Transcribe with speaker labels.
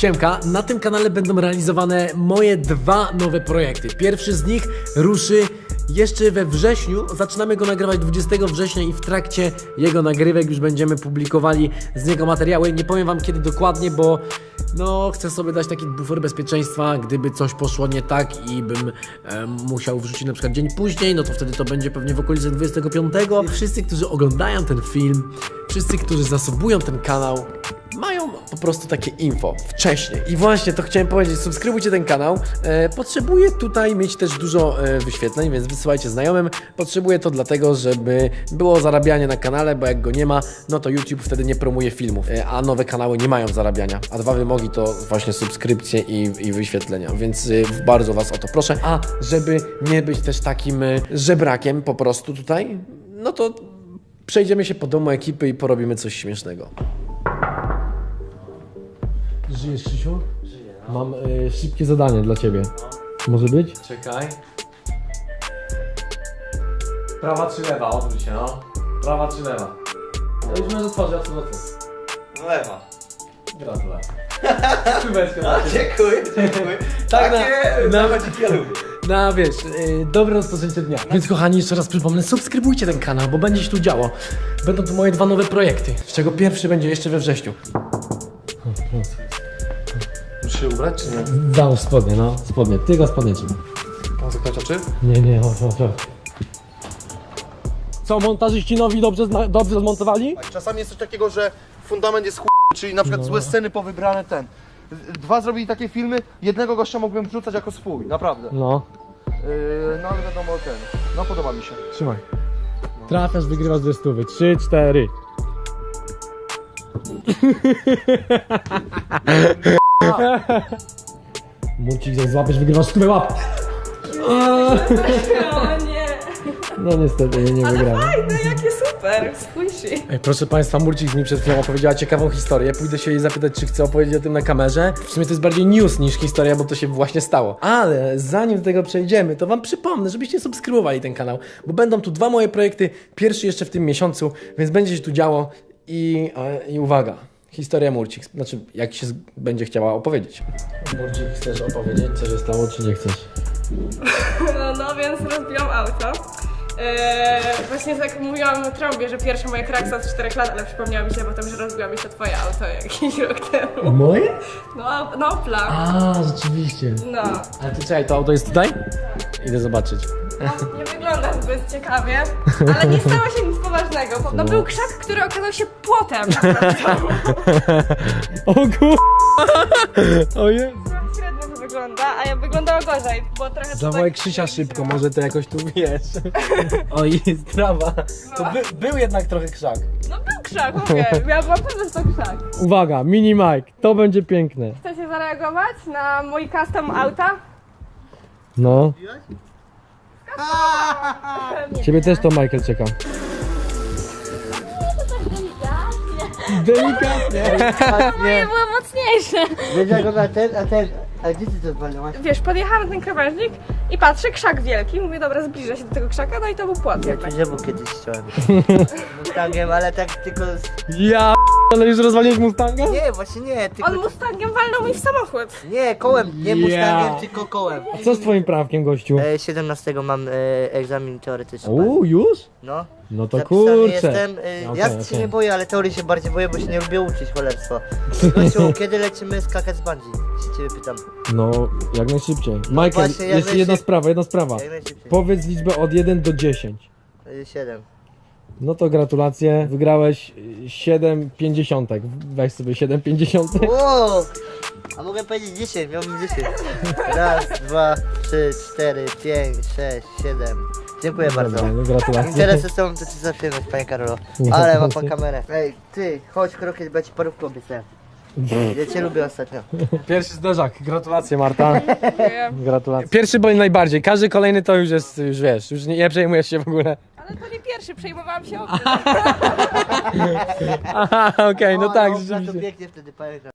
Speaker 1: Siemka, na tym kanale będą realizowane moje dwa nowe projekty. Pierwszy z nich ruszy jeszcze we wrześniu. Zaczynamy go nagrywać 20 września i w trakcie jego nagrywek już będziemy publikowali z niego materiały. Nie powiem wam kiedy dokładnie, bo no chcę sobie dać taki bufor bezpieczeństwa, gdyby coś poszło nie tak i bym musiał wrzucić na przykład dzień później, no to wtedy to będzie pewnie w okolicy 25. Wszyscy, którzy oglądają ten film, wszyscy, którzy zasubują ten kanał, mają po prostu takie info wcześniej. I właśnie to chciałem powiedzieć, subskrybujcie ten kanał. Potrzebuję tutaj mieć też dużo wyświetleń, więc wysyłajcie znajomym. Potrzebuję to dlatego, żeby było zarabianie na kanale, bo jak go nie ma, no to YouTube wtedy nie promuje filmów, a nowe kanały nie mają zarabiania. A dwa wymogi to właśnie subskrypcje i wyświetlenia, więc bardzo was o to proszę. A żeby nie być też takim żebrakiem po prostu tutaj, no to przejdziemy się po domu ekipy i porobimy coś śmiesznego. Żyjesz, Krzysiu?
Speaker 2: Żyję, no.
Speaker 1: Mam szybkie zadanie dla ciebie. Może być?
Speaker 2: Czekaj. Prawa czy lewa? Odwróć się, no. Prawa czy lewa?
Speaker 1: Ja już możesz otworzyć, a co?
Speaker 2: Lewa.
Speaker 1: Gratulacje.
Speaker 2: Dziękuję.
Speaker 1: Tak,
Speaker 2: na ja lubię.
Speaker 1: No wiesz, dobre rozpoczęcie dnia. Więc kochani, jeszcze raz przypomnę, subskrybujcie ten kanał, bo będzie się tu działo. Będą tu moje dwa nowe projekty, z czego pierwszy będzie jeszcze we wrześniu.
Speaker 2: Muszę się ubrać czy nie?
Speaker 1: Załóż spodnie, no, spodnie, tylko spodnie trzeba.
Speaker 2: Mam zakładać oczy?
Speaker 1: Nie, chodź. Co, montażyści nowi dobrze zmontowali?
Speaker 3: Czasami jest coś takiego, że fundament jest czyli na przykład złe sceny powybrane Dwa zrobili takie filmy, jednego gościa mógłbym wrzucać jako swój, naprawdę.
Speaker 1: No,
Speaker 3: No ale wiadomo no podoba mi się.
Speaker 1: trzymaj. Trafiasz, wygrywasz 2 stówy. 3, 4. Murcik, jak złapiesz, wygrywasz 100 łap.
Speaker 4: O nie!
Speaker 1: No niestety, nie wygrałem.
Speaker 4: Fajne, jakie super! Spójrz.
Speaker 1: Ej, proszę Państwa, Murcik mi przed chwilą opowiedziała ciekawą historię. Pójdę się jej zapytać, czy chce opowiedzieć o tym na kamerze. W sumie to jest bardziej news niż historia, bo to się właśnie stało. Ale zanim do tego przejdziemy, to wam przypomnę, żebyście subskrybowali ten kanał, bo będą tu dwa moje projekty, pierwszy jeszcze w tym miesiącu, więc będzie się tu działo i uwaga. Historia Murcik, znaczy jak się będzie chciała opowiedzieć. Murcik, chcesz opowiedzieć, co się stało, czy nie chcesz?
Speaker 4: No więc rozbiłam auto. Właśnie tak mówiłam na trąbie, że pierwsze moje kraksa od 4 lat, ale przypomniało mi się potem, że rozbiła mi się twoje auto jakiś rok temu.
Speaker 1: Moje?
Speaker 4: No Opla.
Speaker 1: A, rzeczywiście.
Speaker 4: No.
Speaker 1: Ale to czekaj, to auto jest tutaj? Idę zobaczyć.
Speaker 4: Nie wygląda zbyt ciekawie, ale nie stało się nic poważnego. No był krzak, który okazał się płotem.
Speaker 1: O kur... O Jezu.
Speaker 4: Średnio to wygląda, a ja wyglądała gorzej, bo trochę...
Speaker 1: Zawołaj Krzysia szybko, może to jakoś tu wiesz. O, jest trawa. To był jednak trochę krzak.
Speaker 4: No był krzak, mówię. Ja byłam pewna, że to krzak.
Speaker 1: Uwaga, mini Mike, to będzie piękne.
Speaker 4: Chcecie zareagować na mój custom auta?
Speaker 1: No. Ciebie też to Michael czeka. Delikatnie.
Speaker 4: Moje było mocniejsze.
Speaker 5: Wiedział go na a gdzie ty to zwalniałaś?
Speaker 4: Wiesz, podjechałam na ten krawężnik i patrzę, krzak wielki. Mówię, dobra, zbliżę się do tego krzaka, no i to był płot.
Speaker 5: Ja drzewo kiedyś chciałem. Mustangiem, ale tak tylko...
Speaker 1: Ja ale już rozwaliłeś Mustanga?
Speaker 5: Nie, właśnie nie, tylko...
Speaker 4: On Mustangiem walnął mi w samochód.
Speaker 5: Nie, kołem, nie Mustangiem,
Speaker 1: Ja.
Speaker 5: tylko kołem.
Speaker 1: Co z twoim prawkiem, gościu?
Speaker 5: 17 mam egzamin teoretyczny.
Speaker 1: Już?
Speaker 5: No.
Speaker 1: No to
Speaker 5: Zapisany
Speaker 1: kurczę.
Speaker 5: jestem, ja
Speaker 1: Okej,
Speaker 5: się nie boję, ale teorii się bardziej boję, bo się nie lubię uczyć, cholerstwo. Gościu, kiedy lecimy skakać z bungee? Się ciebie pytam.
Speaker 1: No, jak najszybciej. Michael,
Speaker 5: właśnie, jak
Speaker 1: jeszcze jedna sprawa.
Speaker 5: Jak najszybciej.
Speaker 1: Powiedz liczbę od 1 do 10.
Speaker 5: 7.
Speaker 1: No to gratulacje, wygrałeś 7,50. Weź sobie 7,50.
Speaker 5: Wow! A mogę powiedzieć 10, miałbym 10. Raz, 2, 3, 4, 5, 6, 7. Dziękuję bardzo.
Speaker 1: No, gratulacje.
Speaker 5: Interesy są, to ci za przyjemność, panie Karolo. Ale ma pan kamerę. Ej, ty, chodź krokiet, bo ja ci parówkę obiecuję. Ja cię lubię ostatnio.
Speaker 1: Pierwszy zderzak, gratulacje Marta.
Speaker 4: Dziękuję.
Speaker 1: Gratulacje. Pierwszy boli najbardziej, każdy kolejny to już jest, już wiesz, już nie przejmujesz się w ogóle.
Speaker 4: Ale to nie pierwszy, przejmowałam się o
Speaker 1: Aha, okej, no tak,
Speaker 5: To
Speaker 1: rzeczywiście.
Speaker 5: pięknie wtedy, panie Karolo.